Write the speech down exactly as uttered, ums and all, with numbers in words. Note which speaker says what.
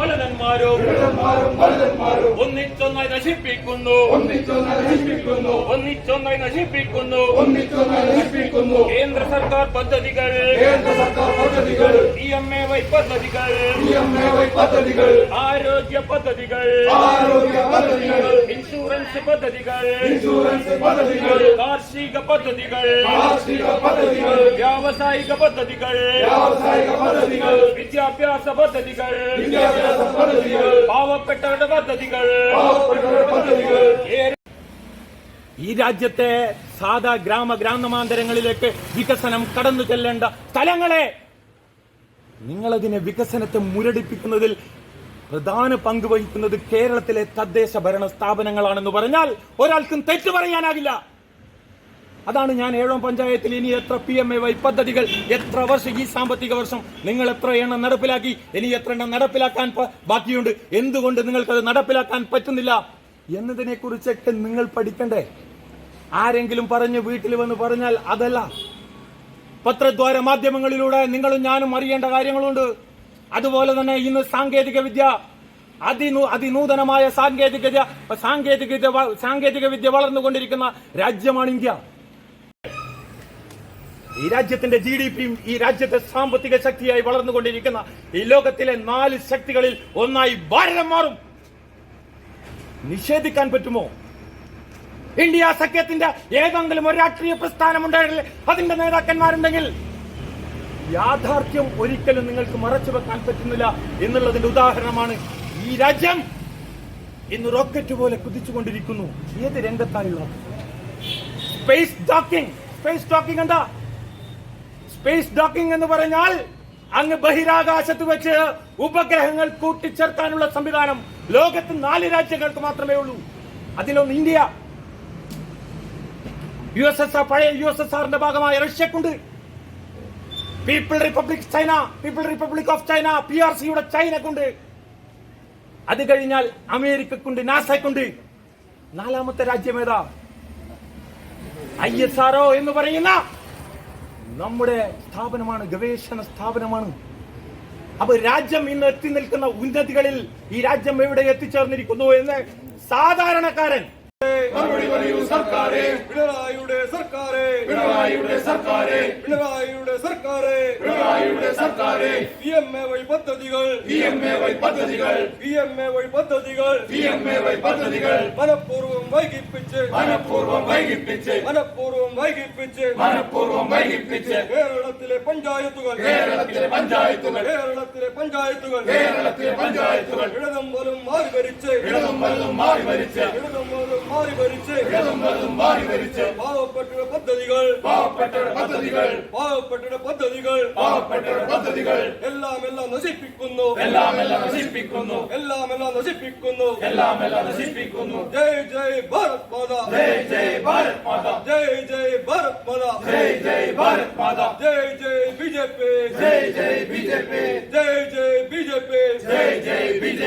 Speaker 1: മലനന്മാരും ഒന്നിച്ചൊന്നായി നശിപ്പിക്കുന്നു ഒന്നിച്ചൊന്നായി നശിപ്പിക്കുന്നു കേന്ദ്ര സർക്കാർ പദ്ധതികൾ ഇ എം എ വൈ പദ്ധതികൾ ആരോഗ്യ പദ്ധതികൾ ഇൻഷുറൻസ് പദ്ധതികൾ കാർഷിക പദ്ധതികൾ വ്യാവസായിക പദ്ധതികൾ വിദ്യാഭ്യാസ പദ്ധതികൾ പാവപ്പെട്ടവരുടെ പദ്ധതികൾ ഈ രാജ്യത്തെ സാധാ ഗ്രാമ ഗ്രാമാന്തരങ്ങളിലേക്ക് വികസനം കടന്നു ചെല്ലേണ്ട സ്ഥലങ്ങളെ നിങ്ങളതിനെ വികസനത്തെ മുരടിപ്പിക്കുന്നതിൽ പ്രധാന പങ്ക് വഹിക്കുന്നത് കേരളത്തിലെ തദ്ദേശ ഭരണ സ്ഥാപനങ്ങളാണെന്ന് പറഞ്ഞാൽ ഒരാൾക്കും തെറ്റു പറയാനാകില്ല. അതാണ് ഞാൻ ഏഴാം പഞ്ചായത്തിൽ ഇനി എത്ര പി എം എ വൈ പദ്ധതികൾ എത്ര വർഷം ഈ സാമ്പത്തിക വർഷം നിങ്ങൾ എത്ര എണ്ണം നടപ്പിലാക്കി, ഇനി എത്ര എണ്ണം നടപ്പിലാക്കാൻ ബാക്കിയുണ്ട്, എന്തുകൊണ്ട് നിങ്ങൾക്കത് നടപ്പിലാക്കാൻ പറ്റുന്നില്ല എന്നതിനെ കുറിച്ചൊക്കെ നിങ്ങൾ പഠിക്കണ്ടേ. ആരെങ്കിലും പറഞ്ഞ് വീട്ടിൽ വന്ന് പറഞ്ഞാൽ അതല്ല. പത്രദ്വാര മാധ്യമങ്ങളിലൂടെ നിങ്ങളും ഞാനും അറിയേണ്ട കാര്യങ്ങളുണ്ട്. അതുപോലെ തന്നെ ഇന്ന് സാങ്കേതിക വിദ്യ അതിനൂ അതിനൂതനമായ സാങ്കേതിക സാങ്കേതിക സാങ്കേതിക വിദ്യ വളർന്നുകൊണ്ടിരിക്കുന്ന രാജ്യമാണ് ഇന്ത്യ. ഈ രാജ്യത്തിന്റെ ജി ഡി പിയും ഈ രാജ്യത്തെ സാമ്പത്തിക ശക്തിയായി വളർന്നുകൊണ്ടിരിക്കുന്ന ഈ ലോകത്തിലെ നാല് ശക്തികളിൽ ഒന്നായി ഭാരതം മാറും. നിഷേധിക്കാൻ പറ്റുമോ? ഇന്ത്യ സഖ്യത്തിന്റെ ഏതെങ്കിലും ഒരു രാഷ്ട്രീയ പ്രസ്ഥാനമുണ്ടെങ്കിൽ അതിന്റെ നേതാക്കന്മാരുണ്ടെങ്കിൽ യാഥാർത്ഥ്യം ഒരിക്കലും നിങ്ങൾക്ക് മറച്ചു വെക്കാൻ പറ്റുന്നില്ല എന്നുള്ളതിന്റെ ഉദാഹരണമാണ് ഈ രാജ്യം ഇന്ന് റോക്കറ്റ് പോലെ കുതിച്ചുകൊണ്ടിരിക്കുന്നു. ഏത് രംഗത്തായുള്ള സ്പേസ് ഡോക്കിംഗ് സ്പേസ് ഡോക്കിംഗ് എന്താ? സ്പേസ് ഡോക്കിംഗ് എന്ന് പറഞ്ഞാൽ അങ്ങ് ബഹിരാകാശത്ത് വെച്ച് ഉപഗ്രഹങ്ങൾ കൂട്ടിച്ചേർക്കാനുള്ള സംവിധാനം ലോകത്ത് നാല് രാജ്യങ്ങൾക്ക് മാത്രമേ ഉള്ളൂ. അതിലൊന്ന് India. U S S R പഴയ യു എസ് എസ് ആറിന്റെ ഭാഗമായ റഷ്യക്കുണ്ട്. People republic China people republic of China P R സിയുടെ ചൈനക്കുണ്ട്. അത് കഴിഞ്ഞാൽ അമേരിക്കക്കുണ്ട്, നാസക്കുണ്ട്. നാലാമത്തെ രാജ്യം ഏതാ? ഐ എസ് ആർ ഒ എന്ന് പറയുന്ന നമ്മുടെ സ്ഥാപനമാണ്, ഗവേഷണ സ്ഥാപനമാണ്. അപ്പൊ രാജ്യം ഇന്ന് എത്തി നിൽക്കുന്ന ഉന്നതികളിൽ ഈ രാജ്യം എവിടെ എത്തിച്ചേർന്നിരിക്കുന്നു എന്ന് സാധാരണക്കാരൻ
Speaker 2: പിണറായിയുടെ സർക്കാരെ പിണറായിയുടെ സർക്കാരെ പിണറായിയുടെ സർക്കാരെ പിണറായിയുടെ സർക്കാരെ പി എം എ വൈ പദ്ധതികൾ പി എം എ വൈ പദ്ധതികൾ പി എം എ വൈ പദ്ധതികൾ പി എം എ വൈ പദ്ധതികൾ മനഃപൂർവ്വം വൈകിപ്പിച്ച് മനഃപൂർവ്വം വൈകിപ്പിച്ച് മനഃപൂർവ്വം വൈകിപ്പിച്ച് മനഃപൂർവ്വം വൈകിപ്പിച്ച് കേരളത്തിലെ പഞ്ചായത്തുകൾ കേരളത്തിലെ പഞ്ചായത്തുകൾ കേരളത്തിലെ പഞ്ചായത്തുകൾ കേരളത്തിലെ പഞ്ചായത്തുകൾ ഇടതും വലതും മാറി ഭരിച്ച് ഇടതും വലതും മാറി ഭരിച്ച് ഇടതും വലതും മാറി ഭരിച്ച് ഇടതും വലതും മാറി ഭരിച്ച് പാവപ്പെട്ട പദ്ധതികൾ പാവപ്പെട്ട പദ്ധതികൾ പാവപ്പെട്ട പദ്ധതികൾ പാവപ്പെട്ട പദ്ധതികൾ എല്ലാം എല്ലാം നശിപ്പിക്കുന്നു എല്ലാം എല്ലാം നശിപ്പിക്കുന്നു എല്ലാം എല്ലാം നശിപ്പിക്കുന്നു എല്ലാം എല്ലാം നശിപ്പിക്കുന്നു. ജയ് ജയ് ഭാരത് മാതാ ജയ് ജയ് ഭാരത് മാതാ ജയ് ജയ് ഭാരത് മാതാ ജയ് ജയ് ഭാരത് മാതാ ജയ് ജയ് ബി ജെ പി ജയ് ജയ് ബി ജെ പി ജയ് ജയ് ബി ജെ പി ജയ് ജയ് ബി ജെ